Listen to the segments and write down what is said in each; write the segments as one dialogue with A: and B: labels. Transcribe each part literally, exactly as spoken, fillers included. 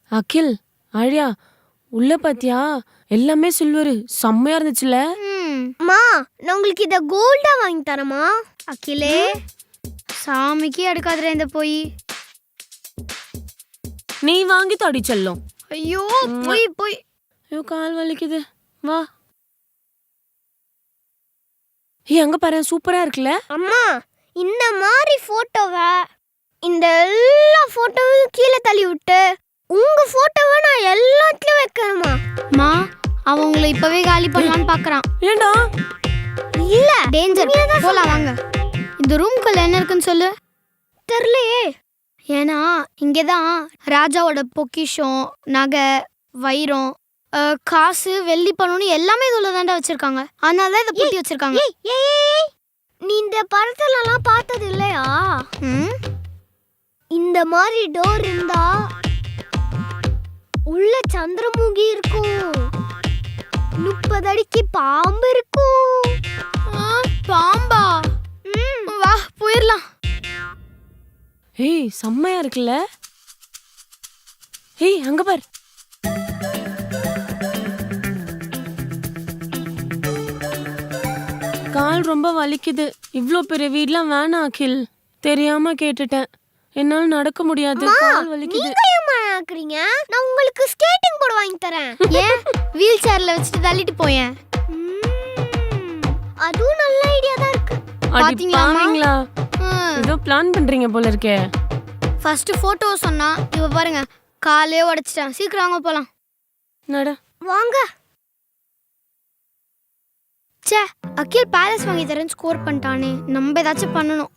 A: அகில் ஆழியா உள்ள பாத்தியா எல்லாமே சில்வர் செம்மையா இருந்துச்சுல.
B: மா நான் உங்களுக்கு இத கோல்டா வாங்கி தரமா? அகிலே சாமிக்கு எடுக்காதற இந்த போய்
A: நீ வாங்கி தாடி செல்லும்.
B: ஐயோ போய் போய்
A: ஐயோ கால் வலிக்குது வா. ஏ அங்க பாரு சூப்பரா இருக்குல.
B: அம்மா இந்த மாதிரி போட்டோவை இந்த எல்லா போட்டோவையும் கீழே தள்ளி விட்டு உங்க போட்டோவை நான் எல்லாத்துலயும் வைக்கணுமா? மா அவன் உங்களை இப்பவே காலி பண்ணலான்னு பாக்குறான்.
A: ஏண்டா?
B: இல்ல டேஞ்சர் போலாம் வாங்க. இந்த ரூம்குள்ள என்ன இருக்குன்னு சொல்லு. தெரியலையே. ஏன்னா இங்கதான் ராஜாவோட பொக்கிஷம் நகை வைரம் காசு வெள்ளி பணம்னு எல்லாமே இதுல தாண்டா வச்சிருக்காங்க. அதனால இதை பூட்டி வச்சிருக்காங்க. நீ இந்த படத்துல எல்லாம் பார்த்தது இல்லையா? இந்த மாதிரி டோர் இருந்தா உள்ள சந்திரமுகி இருக்கும், முப்பது அடிக்கு பாம்பு இருக்கும். பாம்பா? வா போயிடலாம்.
A: ஏய் செம்மையா இருக்குல்ல. ஏய் அங்க பார். கால் ரொம்ப வலிக்குது. இவ்ளோ பெரிய வீட்லாம் வேணாம் அகில். தெரியாம கேட்டுட்டேன். என்னால நடக்க முடியாது. கால் வலிக்குது.
B: நீங்க ஏன் மாக்குறீங்க? நான் உங்களுக்கு ஸ்கேட்டிங் போர்டு வாங்கி தரேன். ஏன் வீல் சேர்ல வச்சிட்டு தள்ளிட்டு போயேன். அதுவும் நல்ல ஐடியா தான் இருக்கு.
A: பாத்தீங்களா? ஏதோ பிளான் பண்றீங்க போல இருக்கே.
B: ஃபர்ஸ்ட் போட்டோ சொன்னா இவ பாருங்க காலே உடைச்சிட்டான். சீக்கிரம் வாங்க போலாம்.
A: நட
B: வாங்க. ச்சே அகில் பேலஸ் வாங்கி தரேன்னு ஸ்கோர் பண்ணிட்டானே. நம்ம ஏதாச்சும் பண்ணணும்.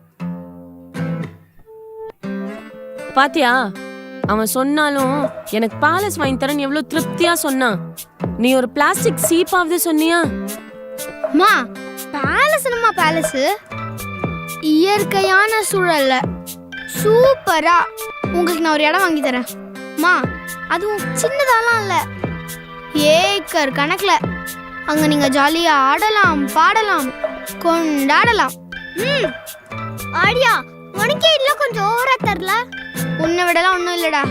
A: பாத்தியா அவன் சொன்னாலும் எனக்கு பேலஸ் வாங்கி தரேன்னு எவ்வளவு திருப்தியா சொன்னான். நீ ஒரு பிளாஸ்டிக் சீப்பாவது சொன்னியா?
B: மா பேலஸ் என்னமா பேலஸ்? இயற்கையான சூழல்ல சூப்பரா உங்களுக்கு நான் ஒரு இடம் வாங்கி தரேன். மா அதுவும் சின்னதாலாம் இல்ல, ஏக்கர் கணக்குல. அங்க நீங்க ஜாலியா ஆடலாம் பாடலாம் கொண்டாடலாம். ம் ஆடியா உனக்கே இல்ல கொஞ்சம் ஓவரா தரல. உன்னை விடலாம் ஒன்றும் இல்லடா.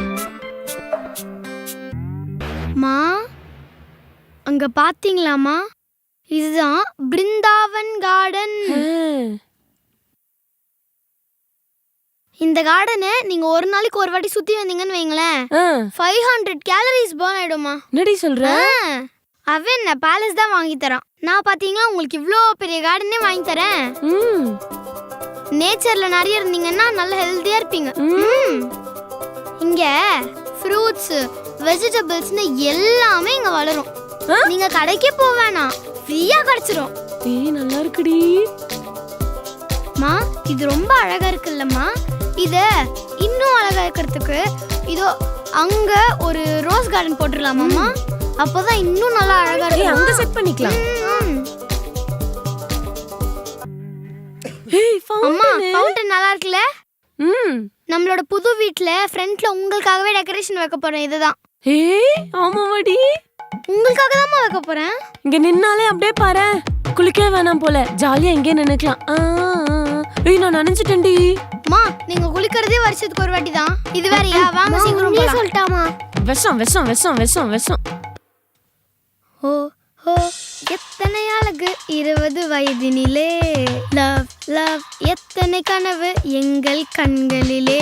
B: மா அங்க பாத்தீங்களாமா? இதுதான் பிருந்தாவன் கார்டன். இந்த கார்டனை நீங்க ஒரு நாளைக்கு ஒரு வாட்டி சுத்தி வந்தீங்கன்னு வைங்களேன், ஃபைவ் ஹண்ட்ரட் கேலரிஸ் பர்ன் ஆயிடுமா.
A: என்னடி சொல்ற?
B: அவன் என்ன பேலஸ் தான் வாங்கி தரான். நான் பாத்தீங்களா உங்களுக்கு இவ்ளோ பெரிய கார்டனே வாங்கி தரேன். நேச்சர்ல நிறைய இருந்தீங்கன்னா நல்ல ஹெல்தியா இருப்பீங்க. இங்க ஃப்ரூட்ஸ் வெஜிடபிள்ஸ்னு எல்லாமே இங்க வளரும். நீங்க கடைக்கே போக வேணாம், ஃப்ரீயா கிடைச்சிரும்.
A: ஏய் நல்லா இருக்குடி.
B: மா இது ரொம்ப அழகா இருக்குல்லம்மா. இத இன்னும் அழகா இருக்கிறதுக்கு இதோ அங்க ஒரு ரோஸ் கார்டன் போட்டுடலாமாம்மா? அப்பதான் இன்னும் நல்லா அழகா இருக்கும்.
A: அங்க செட் பண்ணிக்கலாம். ஏய்
B: அம்மா ஃபவுண்டன் நல்லா இருக்குல? ம் நம்மளோட புது வீட்ல ஃப்ரண்ட்ல உங்களுக்காகவே டெக்கரேஷன் வைக்க போறேன். இதுதான்.
A: ஏய் ஆமாடி
B: உங்களுக்காக தான் வைக்க போறேன்.
A: இங்க நின்னாலே அப்படியே பாரு குளிக்கவே வேணாம் போல, ஜாலியா இங்கே நினைக்கலாம். ஏய் நான் நினைச்சிட்டேன்டி.
B: மா நீங்க குளிக்கிறதே வருஷத்துக்கு ஒரு வாட்டி தான். இது வேறயா? வாங்க சீக்கிரம் போலாம். சொல்லிட்டாமா?
A: விஷம் விஷம் விஷம் விஷம் விஷம்.
B: ஓ ஓ எத்தனை அழகு இருபது வயதினிலே, லவ் லவ் எத்தனை கனவு எங்கள் கண்களிலே.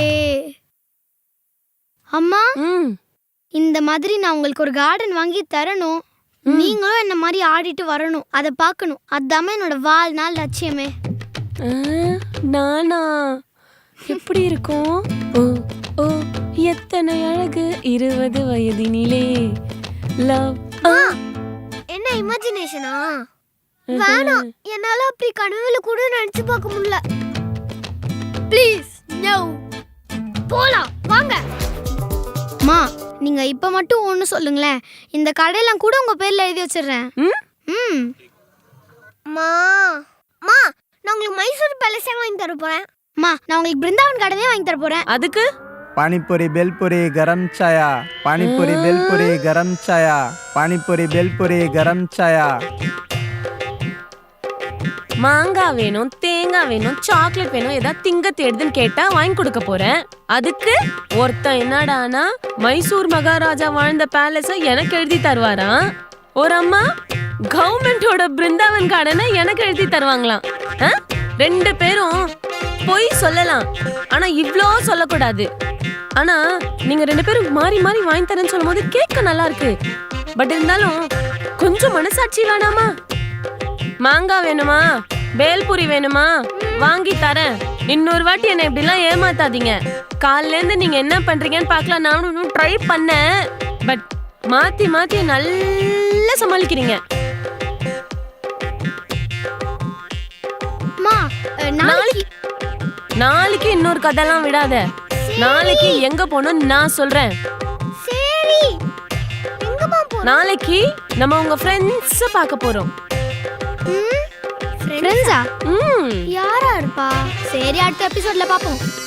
B: அம்மா இந்த மாதிரி நான் உங்களுக்கு ஒரு கார்டன் வாங்கி தரணும். நீங்களும் என்ன மாதிரி ஆடிட்டு வரணும், அதை பார்க்கணும். அதுதான் என்னோட வாழ்நாள் லட்சியமே.
A: நானா எப்படி இருக்கும்? ஓ ஓ எத்தனை அழகு இருபது வயதினிலே, லவ்.
B: என்ன இமேஜினேஷனா? வேணாம், என்னால அப்படி கனவுல கூட நினைச்சு பார்க்க முடியல. Please no. போலாம் வாங்க. மா நீங்க இப்ப மட்டும் ஒன்னு சொல்லுங்களேன், இந்த கடையெல்லாம் கூட உங்க பேர்ல எழுதி வச்சிடுறேன். ம் மா மா நான் உங்களுக்கு மைசூர் பேலஸே வாங்கி தர போறேன். மா நான் உங்களுக்கு பிருந்தாவன் கார்டனே வாங்கி தர போறேன்.
A: அதுக்கு
C: पानीपुरी बेलपुरी गरम चाया, पानीपुरी बेलपुरी गरम चाया, पानीपुरी बेलपुरी गरम चाया.
A: மாங்காய் வேணும், தேங்காய் வேணும், சாக்லேட் வேணும், ஏதாவது திங்க தேடுதுன்னு கேட்டா வாங்கி கொடுக்க போறேன். அதுக்கு ஒருத்தன் என்னடானா மைசூர் மகாராஜா வாழ்ந்த பேலஸ எனக்கு எழுதி தருவாராம். ஒரு அம்மா கவர்மெண்டோட பிருந்தாவன் கார்டனை எனக்கு எழுதி தருவாங்களாம். ஆ? ரெண்டு பேரும் பொய் சொல்லலாம், ஆனா இவ்ளோ சொல்லக்கூடாது. ஆனா நீங்க ரெண்டு பேரும் மாறி மாறி வாங்கி தரேன்னு சொல்லும் போது கேட்க நல்லா இருக்கு. பட் இருந்தாலும் கொஞ்சம் மனசாட்சி வேணாமா? மாங்காய் வேணுமா, பேல்பூரி வேணுமா, வாங்கி தரேன். இன்னொரு வாட்டி என்ன இப்படி எல்லாம் ஏமாத்தாதீங்க. காலையில இருந்து நீங்க என்ன பண்றீங்கன்னு பார்க்கலாம். நானும் ட்ரை பண்ணேன், பட் மாத்தி மாத்தி நல்லா சமாளிக்கிறீங்க.
B: அம்மா, அஹ், நாளைக்கு
A: நாளைக்கு இன்னொரு கதைலாம் விடாத. நாளைக்கு எங்க போகணும்னு நான் சொல்றேன்.
B: சரி, எங்கம்மா போ?
A: நாளைக்கு நம்ம உங்க ஃப்ரெண்ட்ஸ பார்க்க போறோம்.
B: ஃப்ரெண்ட்ஸா?
A: ம்
B: யாரா இருப்பா? சரி, அடுத்த எபிசோட்ல பாப்போம்.